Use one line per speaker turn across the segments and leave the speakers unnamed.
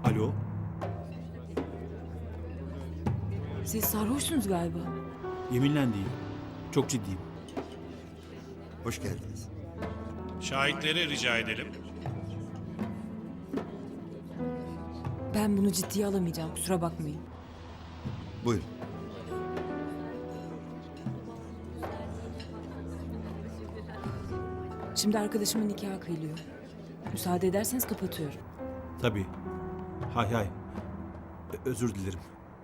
Alo?
Siz sarhoşsunuz galiba.
Yeminle değil. Çok ciddiyim.
Hoş geldiniz.
Şahitleri rica edelim.
Ben bunu ciddiye alamayacağım, kusura bakmayın.
Buyurun.
Şimdi arkadaşımın nikahı kıyılıyor. Müsaade ederseniz kapatıyorum.
Tabii. Hay hay. Özür dilerim.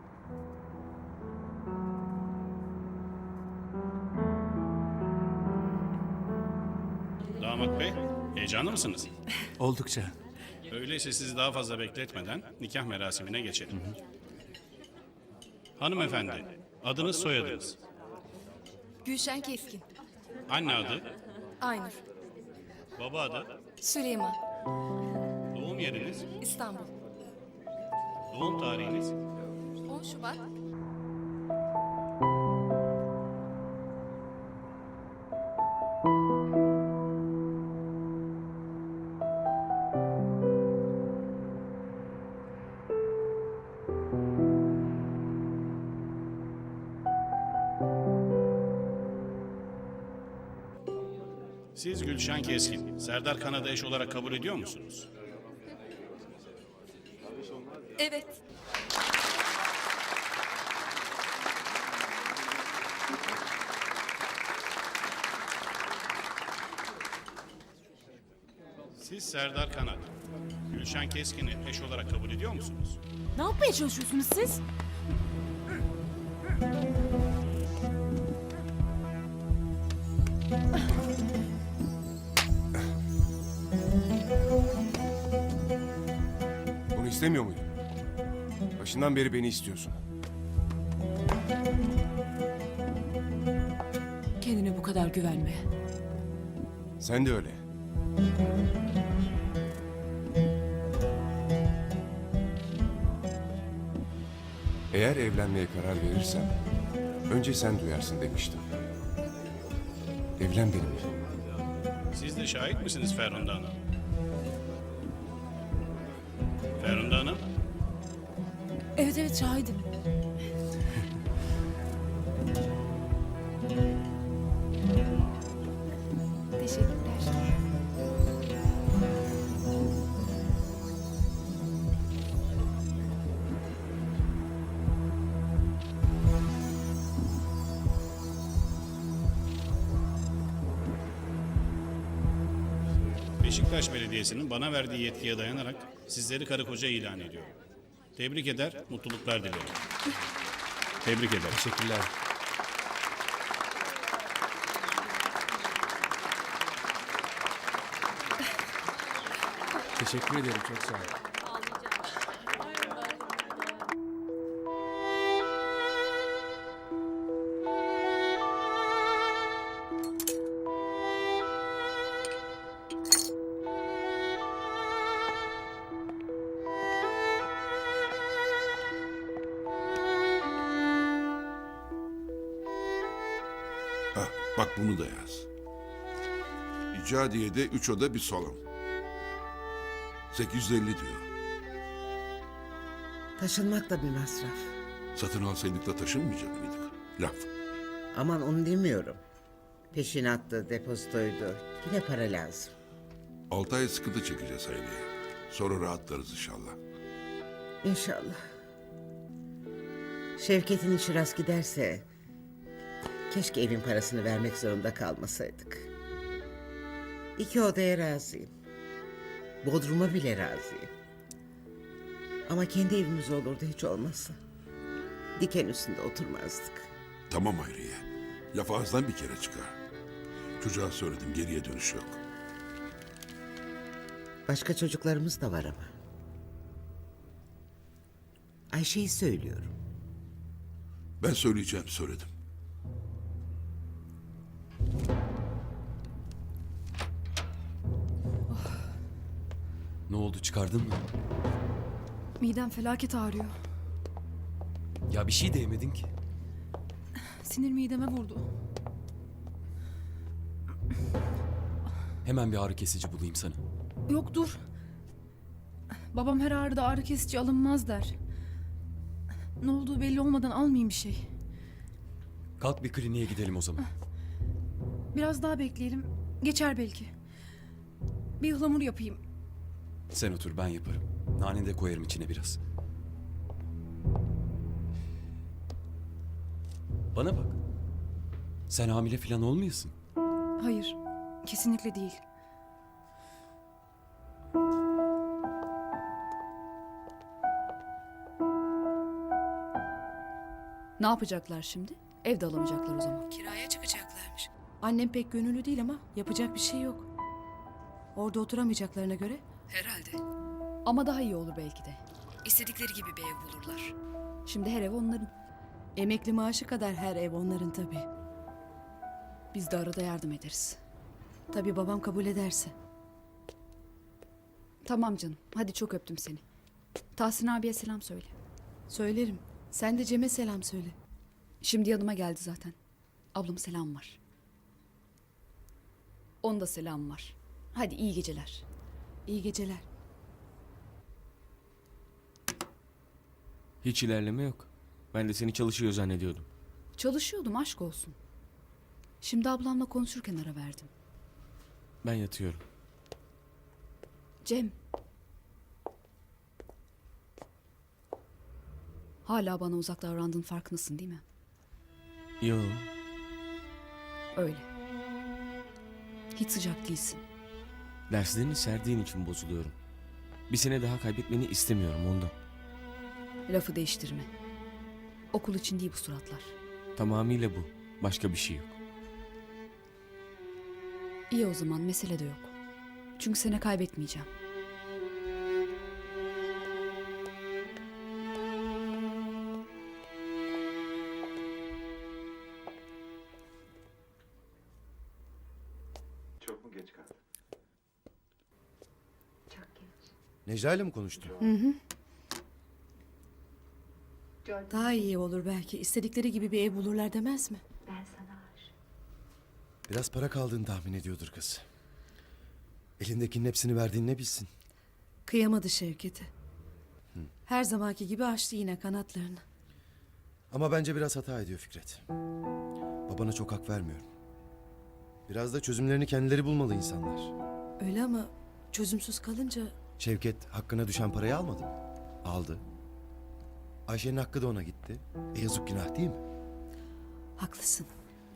Damat bey, heyecanlı mısınız?
Oldukça.
Öyleyse sizi daha fazla bekletmeden nikah merasimine geçelim. Hanımefendi, adınız soyadınız.
Gülşen Keskin.
Anne adı,
Aynur.
baba adı,
Süleyman.
doğum yeriniz,
İstanbul.
doğum tarihiniz,
10 Şubat.
siz Gülşen Keskin, Serdar Kanad'ı eş olarak kabul ediyor musunuz?
Evet.
Siz Serdar Kanad, Gülşen Keskin'i eş olarak kabul ediyor musunuz?
Ne yapmaya çalışıyorsunuz siz?
Bunu istemiyor muydun? Başından beri beni istiyorsun.
Kendine bu kadar güvenme.
Sen de öyle. Eğer evlenmeye karar verirsem önce sen duyarsın demiştim. Evlen benimle.
Siz de şahit misiniz Ferhunde Hanım? Ferhunde Hanım,
Evet evet şahidim.
Teşekkürler.
Beşiktaş Belediyesi'nin bana verdiği yetkiye dayanarak sizleri karı koca ilan ediyorum. Tebrik eder, mutluluklar dilerim. Tebrik ederim.
Teşekkürler.
Teşekkür ederim, çok sağ ol.
Hah, bak bunu da yaz. İcadiye'de 3 oda bir salon. 850 diyor.
Taşınmak da bir masraf.
Satın alsaydık da taşınmayacak mıydık? Laf.
Aman onu demiyorum. Peşinattı, depozitoydu. Yine para lazım.
6 ay sıkıntı çekeceğiz Hayriye. Sonra rahatlarız inşallah.
İnşallah. Şevket'in işi rast giderse... Keşke evin parasını vermek zorunda kalmasaydık. 2 odaya razıyım. Bodruma bile razıyım. Ama kendi evimiz olurdu hiç olmazsa. Diken üstünde oturmazdık.
Tamam Hayriye. Laf ağızdan bir kere çıkar. Çocuğa söyledim, geriye dönüş yok.
Başka çocuklarımız da var ama. Ayşe'yi söylüyorum.
Ben söyleyeceğim, söyledim.
Ne oldu, çıkardın mı?
Midem felaket ağrıyor.
Ya bir şey de yemedin ki.
Sinir mideme vurdu.
Hemen bir ağrı kesici bulayım sana.
Yok dur. Babam her ağrıda ağrı kesici alınmaz der. Ne olduğu belli olmadan almayayım bir şey.
Kalk bir kliniğe gidelim o zaman.
Biraz daha bekleyelim. Geçer belki. Bir ıhlamur yapayım.
Sen otur, ben yaparım. Nane de koyarım içine biraz. Bana bak. Sen hamile falan olmayasın.
Hayır. Kesinlikle değil.
Ne yapacaklar şimdi? Evde alamayacaklar o zaman.
Kiraya çıkacaklarmış. Annem pek gönüllü değil ama yapacak bir şey yok. Orada oturamayacaklarına göre. Herhalde.
Ama daha iyi olur belki de.
İstedikleri gibi bir ev bulurlar.
Şimdi her ev onların.
Emekli maaşı kadar her ev onların tabii.
Biz de arada yardım ederiz.
Tabii babam kabul ederse.
Tamam canım. Hadi çok öptüm seni. Tahsin abiye selam söyle.
Söylerim. Sen de Cem'e selam söyle.
Şimdi yanıma geldi zaten. Ablam selam var. Onun da selam var. Hadi iyi geceler.
İyi geceler.
Hiç ilerleme yok. Ben de seni çalışıyor zannediyordum.
Çalışıyordum, aşk olsun. Şimdi ablamla konuşurken ara verdim.
Ben yatıyorum.
Cem. Hala bana uzak davrandığın farkındasın değil mi?
Yo,
Öyle. Hiç sıcak değilsin.
derslerini serdiğin için bozuluyorum. Bir sene daha kaybetmeni istemiyorum ondan.
Lafı değiştirme. Okul için değil bu suratlar.
Tamamıyla bu. Başka bir şey yok.
İyi o zaman, mesele de yok. Çünkü seni kaybetmeyeceğim.
Çok mu geç kaldın? Necla ile mi konuştun?
Daha iyi olur belki. İstedikleri gibi bir ev bulurlar demez mi?
Biraz para kaldığını tahmin ediyordur kız. Elindekinin hepsini verdiğini ne bilsin.
Kıyamadı Şevket'e. Her zamanki gibi açtı yine kanatlarını.
Ama bence biraz hata ediyor Fikret. Babana çok hak vermiyorum. Biraz da çözümlerini kendileri bulmalı insanlar.
Öyle ama çözümsüz kalınca
Şevket hakkına düşen parayı almadı mı? Aldı. Ayşe'nin hakkı da ona gitti. Yazık günah değil mi?
haklısın.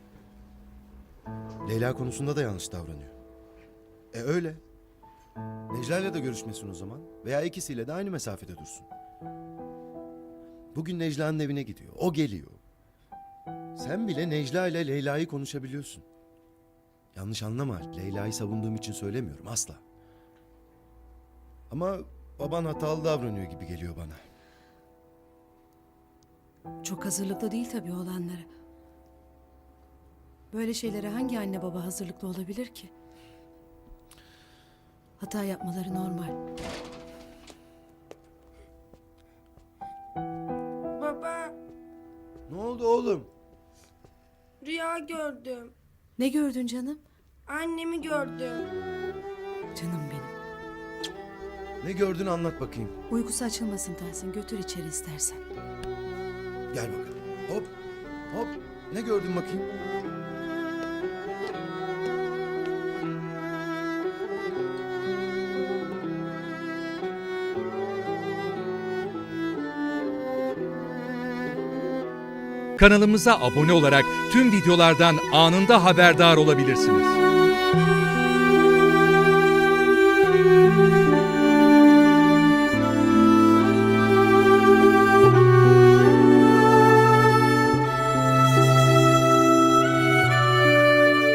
Leyla konusunda da yanlış davranıyor. Öyle. Necla ile de görüşmesin o zaman. Veya ikisiyle de aynı mesafede dursun. Bugün Necla'nın evine gidiyor. O geliyor. Sen bile Necla ile Leyla'yı konuşabiliyorsun. Yanlış anlama. Leyla'yı savunduğum için söylemiyorum asla. Ama baban hatalı davranıyor gibi geliyor bana.
Çok hazırlıklı değil tabii olanlara. Böyle şeylere hangi anne baba hazırlıklı olabilir ki? Hata yapmaları normal.
Baba,
Ne oldu oğlum?
rüya gördüm.
Ne gördün canım?
Annemi gördüm.
Canım benim.
Ne gördün anlat bakayım.
Uykusu açılmasın Tahsin. Götür içeri istersen.
Gel bakalım. Hop. Hop. Ne gördün bakayım?
Kanalımıza abone olarak tüm videolardan anında haberdar olabilirsiniz.